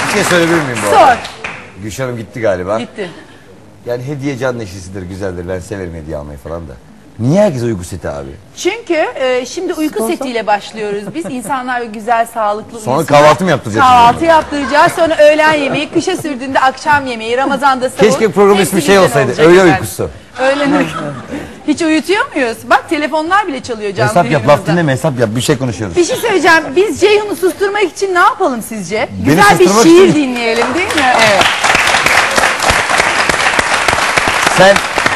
Bir şey söyleyebilir miyim bu Sor. arada? Gülşah Hanım gitti galiba. Gitti. Yani hediye can neşesidir, güzeldir. Ben severim hediye almayı falan da. Niye herkes uyku seti abi? Çünkü şimdi uyku setiyle başlıyoruz biz. İnsanlar güzel, sağlıklı Sonra uyusunlar. kahvaltı mı yaptıracağız? Kahvaltı yaptıracağız. Sonra öğlen yemeği, kışa sürdüğünde akşam yemeği, Ramazan'da sahur. Keşke program Hepsi ismi şey birden olsaydı. olacak Öğle efendim. uykusu. Öğlen uykusu. Hiç uyutuyor muyuz? Bak telefonlar bile çalıyor canlı Hesap yap, laf yayınımızda. dinleme, hesap yap. Bir şey konuşuyoruz. Bir şey söyleyeceğim. Biz Ceyhun'u susturmak için ne yapalım sizce? Beni Güzel bir susturmak şiir için- dinleyelim değil mi? Evet. Sen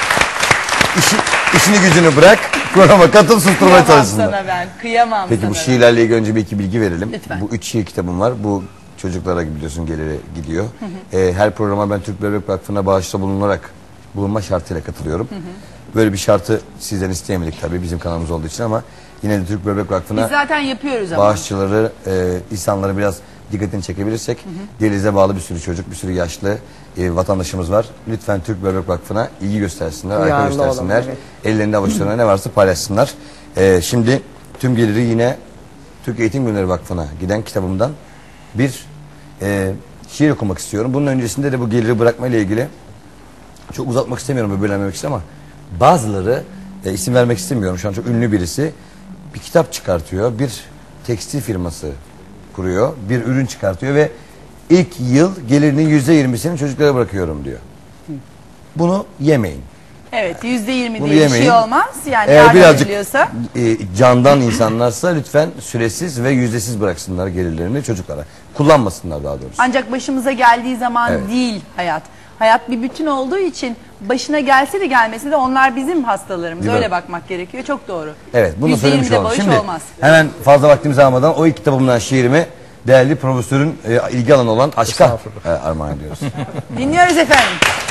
işini gücünü bırak, programa katıl, susturmaya Kıyamam çalışsınlar. sana ben. Kıyamam Peki sana bu ben. şiirlerle ilgili önce bir iki bilgi verelim. Lütfen. Bu 3 şiir kitabım var. Bu çocuklara biliyorsun geliri gidiyor. Her programa ben Türk Bebek Vakfı'na bağışta bulunma şartıyla katılıyorum. Böyle bir şartı sizden isteyemedik tabii bizim kanalımız olduğu için ama yine de Türk Bebek Vakfı'na Biz zaten yapıyoruz ama. bağışçıları, insanları biraz dikkatini çekebilirsek diyalize bağlı bir sürü çocuk, bir sürü yaşlı vatandaşımız var. Lütfen Türk Bebek Vakfı'na ilgi göstersinler, arka Duyarlı göstersinler. olalım, evet. Ellerinde avuçlarına ne varsa paylaşsınlar. Şimdi tüm geliri yine Türk Eğitim Günleri Vakfı'na giden kitabımdan bir şiir okumak istiyorum. Bunun öncesinde de bu geliri bırakma ile ilgili çok uzatmak istemiyorum ve bölünmemek için ama bazıları isim vermek istemiyorum. Şu an çok ünlü birisi bir kitap çıkartıyor. Bir tekstil firması kuruyor. Bir ürün çıkartıyor ve ilk yıl gelirinin %20'sini çocuklara bırakıyorum diyor. Bunu yemeyin. Evet, %20 Bunu diye bir yemeyin. şey olmaz. Yani Eğer yardım birazcık ediliyorsa. candan insanlarsa lütfen süresiz ve yüzdesiz bıraksınlar gelirlerini çocuklara. Kullanmasınlar daha doğrusu. Ancak başımıza geldiği zaman Evet. değil hayat. Hayat bir bütün olduğu için başına gelse de gelmese de onlar bizim hastalarımız. Değil mi? Öyle bakmak gerekiyor. Çok doğru. Evet, bunu söylemiş %20'de olalım. bağış Şimdi olmaz. hemen fazla vaktimizi almadan o ilk kitabımdan şiirimi değerli profesörün ilgi alanı olan aşka armağan ediyoruz. Dinliyoruz efendim.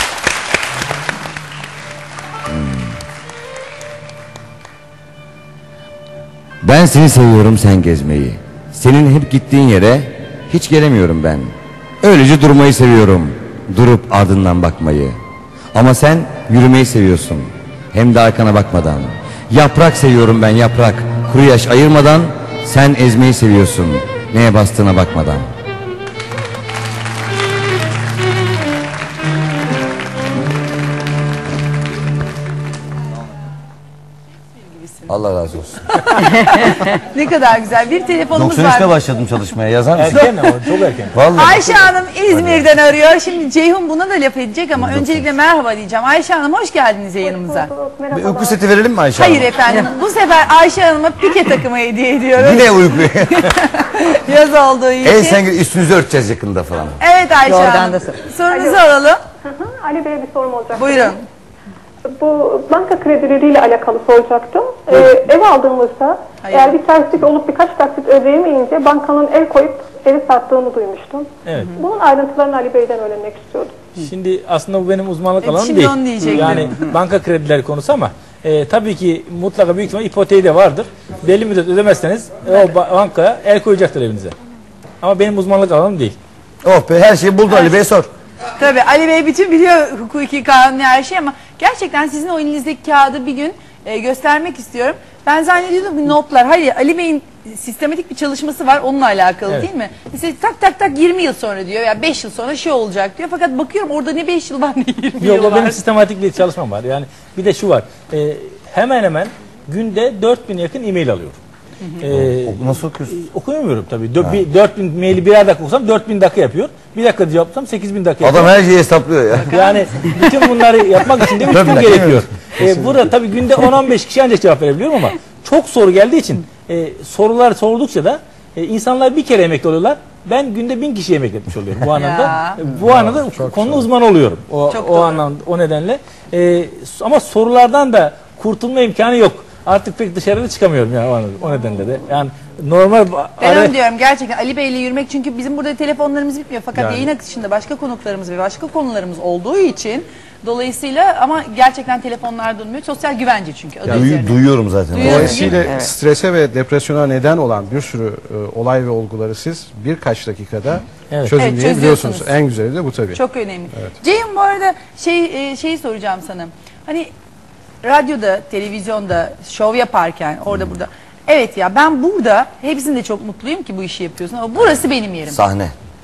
Ben seni seviyorum sen gezmeyi. Senin hep gittiğin yere hiç gelemiyorum ben. Öylece durmayı seviyorum. Durup ardından bakmayı. Ama sen yürümeyi seviyorsun. Hem de arkana bakmadan. Yaprak seviyorum ben yaprak. Kuru yaş ayırmadan. Sen ezmeyi seviyorsun. Neye bastığına bakmadan. Allah razı olsun. Ne kadar güzel. Bir telefonumuz 93'te var. başladım çalışmaya. Yazar mısın? Erken ama çok erken. Vallahi. Ayşe Hanım İzmir'den arıyor. Şimdi Ceyhun buna da laf edecek ama öncelikle merhaba diyeceğim. Ayşe Hanım hoş geldiniz yayınımıza. Bir uyku seti verelim mi Ayşe Hanım? Hayır efendim. Bu sefer Ayşe Hanım'a pike takımı hediye ediyoruz. Yine uyku. Yaz olduğu için. Sen üstünüzü örteceğiz yakında falan. Evet Ayşe Oradan Hanım. da Sorunuzu alalım. Ali Bey'e bir sorum olacak. Buyurun. Bu banka kredileriyle alakalı soracaktım. Ev aldığımızda Hayır. eğer bir terslik olup birkaç taksit ödeyemeyince bankanın el koyup evi sattığını duymuştum. Evet. Bunun ayrıntılarını Ali Bey'den öğrenmek istiyordum. Şimdi aslında bu benim uzmanlık alanım Şimdi değil. onu diyecektim. Yani banka kredileri konusu ama tabii ki mutlaka büyük ihtimal ipoteği de vardır. Belli müddet ödemezseniz o bankaya el koyacaktır evinize. Ama benim uzmanlık alanım değil. Oh be her şeyi buldu Ali Bey sor. Tabii Ali Bey bütün biliyor hukuki kanuni her şey ama gerçekten sizin o elinizdeki kağıdı bir gün göstermek istiyorum. Ben zannediyordum ki notlar. Hayır Ali Bey'in sistematik bir çalışması var onunla alakalı Evet. değil mi? Mesela tak tak 20 yıl sonra diyor ya 5 yıl sonra şey olacak diyor. Fakat bakıyorum orada ne 5 yıl var ne 20 Yok yıl o var. benim sistematik bir çalışmam var. Yani bir de şu var. Hemen hemen günde 4000 yakın e-mail alıyorum. Nasıl okuyorsun? Okuyamıyorum tabii. 4000 maili birer dakika okusam 4000 dakika yapıyor. Bir dakika cevaplasam 8000 dakika yapıyor. Adam her şeyi hesaplıyor ya. Yani bütün bunları yapmak için de 3 Tabii, gün dakika gerekiyor. Burada tabii günde 10-15 kişi ancak cevap verebiliyorum ama çok soru geldiği için sorular sordukça da insanlar bir kere emekli oluyorlar. Ben günde 1000 kişi yemek etmiş oluyorum bu anlamda. Ya. Bu anlamda konu uzmanı oluyorum. Çok O doğru. anlamda o nedenle. Ama sorulardan da kurtulma imkanı yok. Artık pek dışarıda çıkamıyorum ya o nedenle de. Yani normal Ben onu diyorum gerçekten Ali Bey'le yürümek çünkü bizim burada telefonlarımız bitmiyor. Fakat Yani. yayın akışında başka konuklarımız ve başka konularımız olduğu için dolayısıyla ama gerçekten telefonlar durmuyor. Sosyal güvence çünkü adı üzerine. Duyuyorum zaten. Duyuyorum. Dolayısıyla strese ve depresyona neden olan bir sürü olay ve olguları siz birkaç dakikada Evet. çözümleyebiliyorsunuz. çözüyorsunuz. En güzeli de bu tabii. Çok önemli. Ceyhun bu arada şeyi soracağım sana. Hani radyoda, televizyonda şov yaparken orada burada. Evet ya ben burada hepsinde çok mutluyum ki bu işi yapıyorsun ama burası benim yerim. Sahne.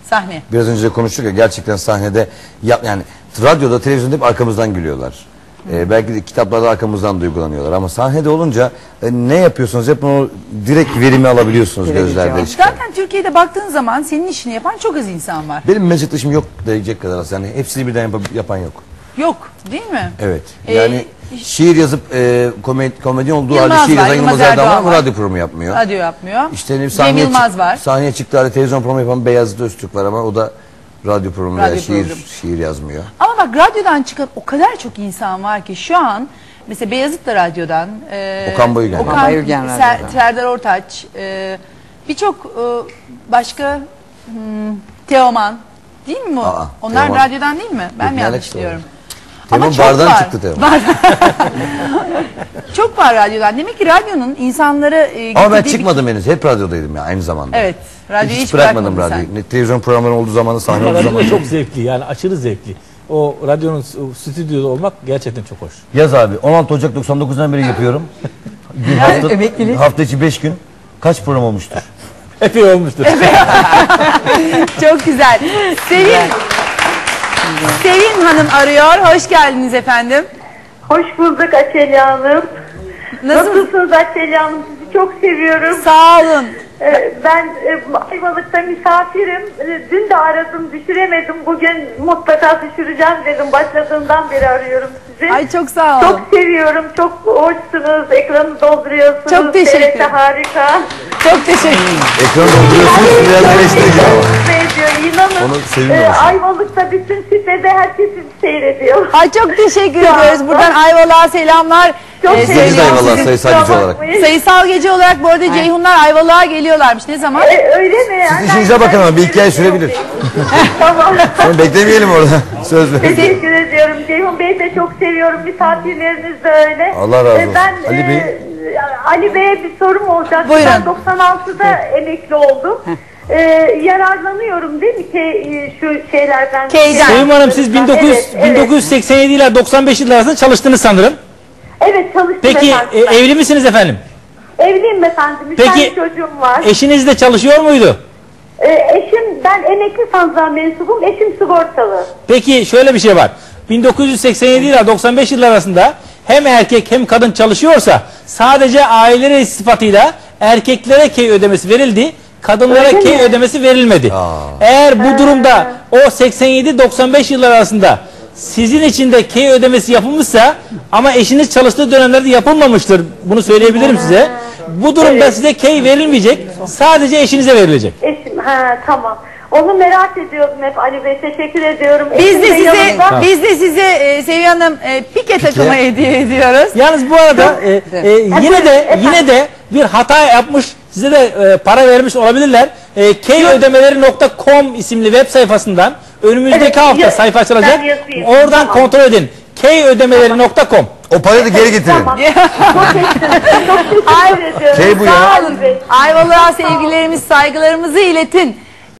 Sahne. Biraz önce de konuştuk ya, gerçekten sahnede yani radyoda, televizyonda hep arkamızdan gülüyorlar. Belki de kitaplarda arkamızdan duygulanıyorlar ama sahnede olunca ne yapıyorsunuz hep onu direkt verimi alabiliyorsunuz gözlerde çıkan. Zaten Türkiye'de baktığın zaman senin işini yapan çok az insan var. Benim meslektaşım yok diyecek kadar az. Yani hepsini birden yapan yok. Yok değil mi? Evet. Yani şiir yazıp komedyen olduğu Yılmaz halde şiir var, yazan Yılmaz Yılmaz Erdoğan var Erdoğan ama var. radyo programı yapmıyor. Radyo yapmıyor. İşte ne Cem Yılmaz var. Sahneye çıktığı halde televizyon programı yapan Beyazıt Öztürk var ama o da radyo programı veya Radyo programı. şiir yazmıyor. Ama bak radyodan çıkan o kadar çok insan var ki şu an mesela Beyazıt da radyodan. Okan Bayülgen. Okan Bayülgen radyodan. Serdar Ortaç. Birçok başka Teoman değil mi bu? Onlar Teoman. radyodan değil mi? Ben Yok, mi ne yanlış alakası var? diyorum? Teoman çok bardan var. çıktı Teoman. Çok var radyodan. Demek ki radyonun insanları Ama ben getirdiği çıkmadım henüz. Hep radyodaydım ya aynı zamanda. Evet. Radyoyu Hiç hiç bırakmadım bırakmadın radyoyu. sen. Ne televizyon programları olduğu zamanı, sahne Ama olduğu radyo zaman. da çok zevkli, yani aşırı zevkli. O radyonun stüdyoda olmak gerçekten çok hoş. Yaz abi 16 Ocak 99'dan beri yapıyorum. Hafta içi 5 gün. Kaç program olmuştur? Epey olmuştur. Çok güzel. Sevin Hanım arıyor. Hoş geldiniz efendim. Hoş bulduk Açelya Hanım. Nasıl? Nasılsınız Açelya Hanım? Sizi çok seviyorum. Sağ olun. Ben Ayvalık'ta misafirim. Dün de aradım, düşüremedim. Bugün mutlaka düşüreceğim dedim. Başladığından beri arıyorum sizi. Ay çok sağ olun. Çok seviyorum. Çok hoşsunuz. Ekranı dolduruyorsunuz. Çok teşekkür TRT ederim. harika. Çok teşekkür ederim. Ekranı dolduruyorsunuz. Biraz eleştiriyor. Mutlu ediyor. İnanın. Onu seviyorum. Ayvalık'ta bütün sitede herkes sizi seyrediyor. Ay çok teşekkür ediyoruz. Buradan Ayvalık'a selamlar. Çok Biz seviyorum de Ayvalık'a sizi. sayısal gücü olarak. Sayısal gece olarak bu arada Ceyhunlar Ayvalık'a geliyorlarmış. Ne zaman? Öyle mi? Siz işinize bakın ama bir iki ay sürebilir. Tamam. Sonra beklemeyelim orada. Söz verin. Teşekkür ediyorum. Ceyhun Bey'i de çok seviyorum. Misafirleriniz de öyle. Allah razı olsun. Ben Ali Bey. Ali Bey'e bir sorum olacak. Buyurun. Ben 96'da emekli oldum. Yararlanıyorum değil mi ki şu şeylerden? Keyden. Sevim Hanım siz Evet, evet. 1987 ile 95 yılları arasında çalıştınız sanırım. Evet çalıştım Peki efendim. ben. evli misiniz efendim? Evliyim efendim. Bir Peki, tane çocuğum var. Eşiniz de çalışıyor muydu? Eşim, ben emekli sandığa mensubum. Eşim sigortalı. Peki şöyle bir şey var. 1987 ile 95 yıllar arasında hem erkek hem kadın çalışıyorsa sadece aile reisi sıfatıyla erkeklere key ödemesi verildi. Kadınlara Öyle key mi? ödemesi verilmedi. Eğer bu durumda o 87-95 yıllar arasında sizin için de key ödemesi yapılmışsa ama eşiniz çalıştığı dönemlerde yapılmamıştır. Bunu söyleyebilirim size. Bu durumda size key verilmeyecek. Sadece eşinize verilecek. Eşim, tamam. Onu merak ediyordum hep Ali Bey. Teşekkür ediyorum. Biz Eşim de size yanımda. Seviye Hanım pike takımı hediye ediyoruz. Yalnız bu arada yine de bir hata yapmış, size de para vermiş olabilirler. Keyödemeleri.com isimli web sayfasından önümüzdeki Evet, hafta sayfa açılacak. ben yazayım. Oradan Tamam. kontrol edin. Keyödemeleri.com. O parayı da geri getirin. Tamam. Çok teşekkür ediyorum. Şey bu ya. Sağ Sağ olun. olun. Ayvalık'a sevgilerimiz, saygılarımızı iletin.